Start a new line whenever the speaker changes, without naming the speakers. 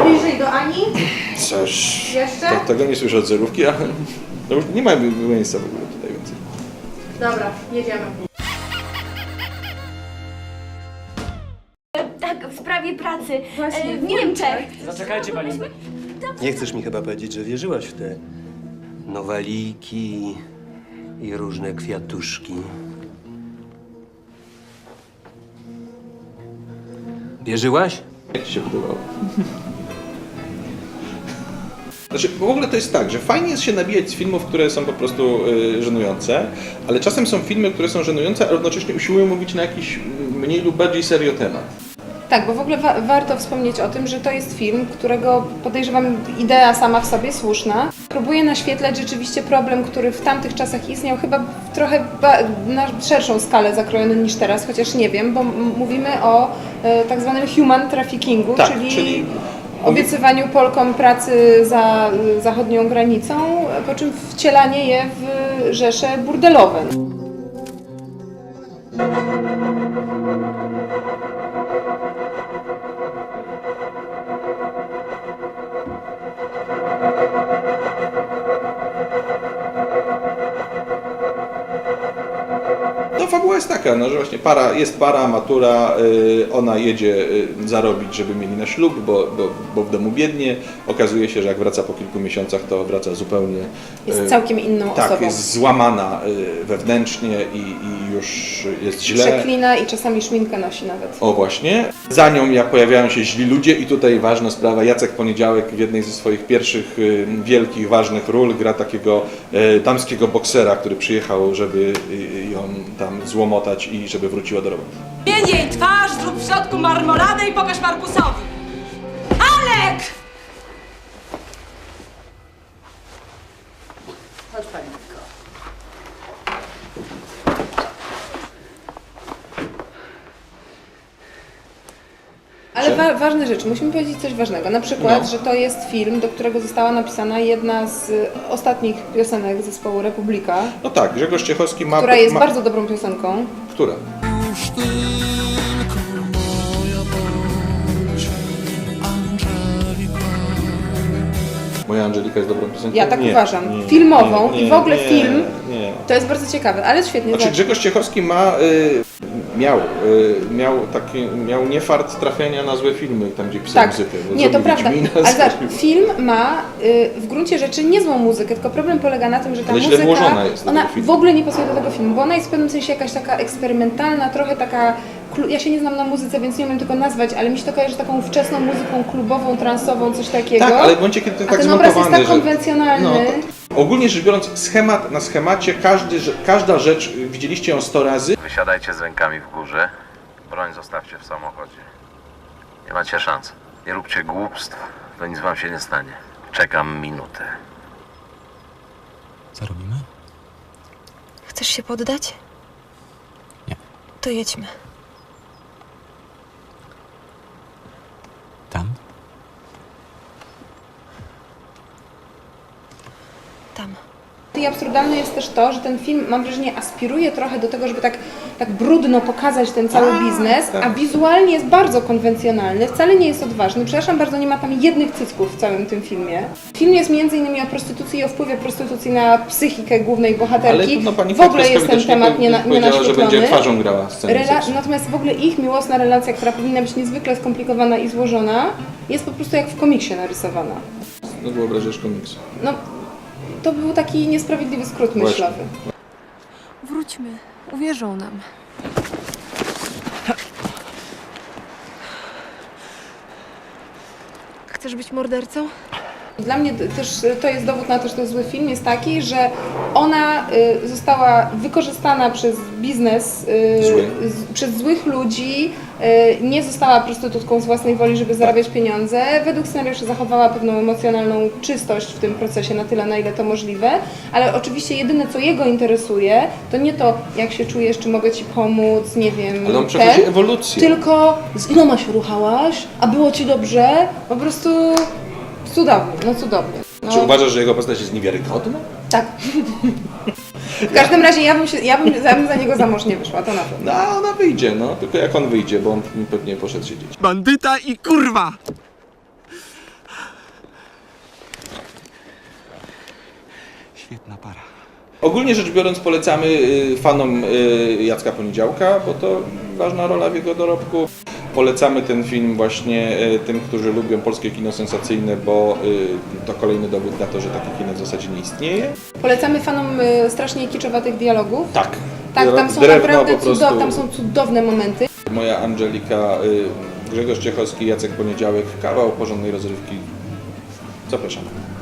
bliżej do Ani.
Coś...
Jeszcze?
Tego nie słyszę od zerówki, ale no już nie ma miejsca w ogóle tutaj więcej.
Dobra, jedziemy.
Tak, w sprawie pracy.
Właśnie,
w Niemczech.
Zaczekajcie, pani.
Nie chcesz mi chyba powiedzieć, że wierzyłaś w te nowaliki i różne kwiatuszki. Wierzyłaś?
Jak ci się podobało? Znaczy, w ogóle to jest tak, że fajnie jest się nabijać z filmów, które są po prostu żenujące, ale czasem są filmy, które są żenujące, a równocześnie usiłują mówić na jakiś mniej lub bardziej serio temat.
Tak, bo w ogóle warto wspomnieć o tym, że to jest film, którego podejrzewam idea sama w sobie słuszna. Próbuje naświetlać rzeczywiście problem, który w tamtych czasach istniał, chyba trochę na szerszą skalę zakrojony niż teraz, chociaż nie wiem, bo mówimy o tak zwanym human traffickingu,
Tak,
czyli obiecywaniu Polkom pracy za zachodnią granicą, po czym wcielanie je w rzesze burdelowe.
No fabuła jest taka, no, że właśnie jest para, matura, ona jedzie zarobić, żeby mieli na ślub, bo w domu biednie. Okazuje się, że jak wraca po kilku miesiącach, to wraca zupełnie...
Jest całkiem inną
tak,
osobą.
jest złamana wewnętrznie i już jest źle.
Przeklina i czasami szminkę nosi nawet.
O właśnie. Za nią pojawiają się źli ludzie i tutaj ważna sprawa, Jacek Poniedziałek w jednej ze swoich pierwszych wielkich, ważnych ról gra takiego damskiego boksera, który przyjechał, żeby ją tam złomotać i żeby wróciła do roboty.
Zmień jej twarz, zrób w środku marmoladę i pokaż Markusowi. Alek! Chodź, panienko.
Ale ważne rzeczy, musimy powiedzieć coś ważnego. Na przykład, że to jest film, do którego została napisana jedna z ostatnich piosenek zespołu Republika,
No tak, Grzegorz Ciechowski ma...
która jest bardzo dobrą piosenką.
Która? Moja Angelika jest dobrą piosenką?
Ja tak
Nie,
uważam.
nie,
Filmową
nie,
i w ogóle
nie,
film.
Nie.
To jest bardzo ciekawe, ale świetnie.
Znaczy Grzegorz Ciechowski miał niefart trafiania na złe filmy, tam gdzie pisał
Tak,
muzykę. Bo
nie, to
zrobił
prawda.
Wiedźmina,
Ale zobacz,
zrobił-
film ma w gruncie rzeczy niezłą muzykę, tylko problem polega na tym, że ta
Ale źle
muzyka,
włożona jest do
ona
tego filmu.
w ogóle nie pasuje do tego filmu, bo ona jest w pewnym sensie jakaś taka eksperymentalna, trochę taka, ja się nie znam na muzyce, więc nie umiem tego nazwać, ale mi się to kojarzy z taką wczesną muzyką klubową, transową, coś takiego.
Tak, ale w momencie, kiedy to
A
tak
ten obraz jest
zmontowany,
tak konwencjonalny.
No, ogólnie rzecz biorąc, schemat na schemacie, każda rzecz, widzieliście ją 100 razy.
Wysiadajcie z rękami w górze. Broń zostawcie w samochodzie. Nie macie szans. Nie róbcie głupstw, to nic wam się nie stanie. Czekam minutę.
Co robimy?
Chcesz się poddać?
Nie.
To jedźmy.
Tam?
Tam.
I absurdalne jest też to, że ten film, mam wrażenie, aspiruje trochę do tego, żeby tak brudno pokazać ten cały biznes, a wizualnie jest bardzo konwencjonalny, wcale nie jest odważny. Przepraszam bardzo, nie ma tam jednych cycków w całym tym filmie. Film jest m.in. o prostytucji i o wpływie prostytucji na psychikę głównej bohaterki.
Ale no, pani
w ogóle
Kwiatkowska
jest ten
widocznie
temat
powiedziała, że będzie
nienaświetlony.
twarzą grała scenę seksu.
Natomiast w ogóle ich miłosna relacja, która powinna być niezwykle skomplikowana i złożona, jest po prostu jak w komiksie narysowana.
No wyobrażasz komiksu.
No, to był taki niesprawiedliwy skrót
Właśnie.
myślowy.
Wróćmy. Uwierzą nam. Chcesz być mordercą?
Dla mnie też to jest dowód na to, że to jest zły film, jest taki, że ona została wykorzystana przez biznes, przez złych ludzi, nie została prostytutką z własnej woli, żeby zarabiać pieniądze. Według scenariusza zachowała pewną emocjonalną czystość w tym procesie na tyle, na ile to możliwe, ale oczywiście jedyne, co jego interesuje, to nie to, jak się czujesz, czy mogę ci pomóc, nie wiem,
Ale on przechodzi ewolucję.
tylko z iloma się ruchałaś, a było ci dobrze, po prostu cudownie, no cudownie. No,
Czy uważasz, że jego postać jest niewiarygodna?
tak. W każdym razie ja bym za niego za mąż nie wyszła, to na pewno.
No, ona wyjdzie, no. Tylko jak on wyjdzie, bo on pewnie poszedł siedzieć.
Bandyta i kurwa! Świetna para.
Ogólnie rzecz biorąc polecamy fanom Jacka Poniedziałka, bo to ważna rola w jego dorobku. Polecamy ten film właśnie tym, którzy lubią polskie kino sensacyjne, bo to kolejny dowód na to, że takie kino w zasadzie nie istnieje.
Polecamy fanom strasznie kiczowatych dialogów.
Tak.
Tak, tam są
Drewno
naprawdę
po prostu.
tam są cudowne momenty.
Moja Angelika, Grzegorz Ciechowski, Jacek Poniedziałek, kawał porządnej rozrywki. Zapraszam.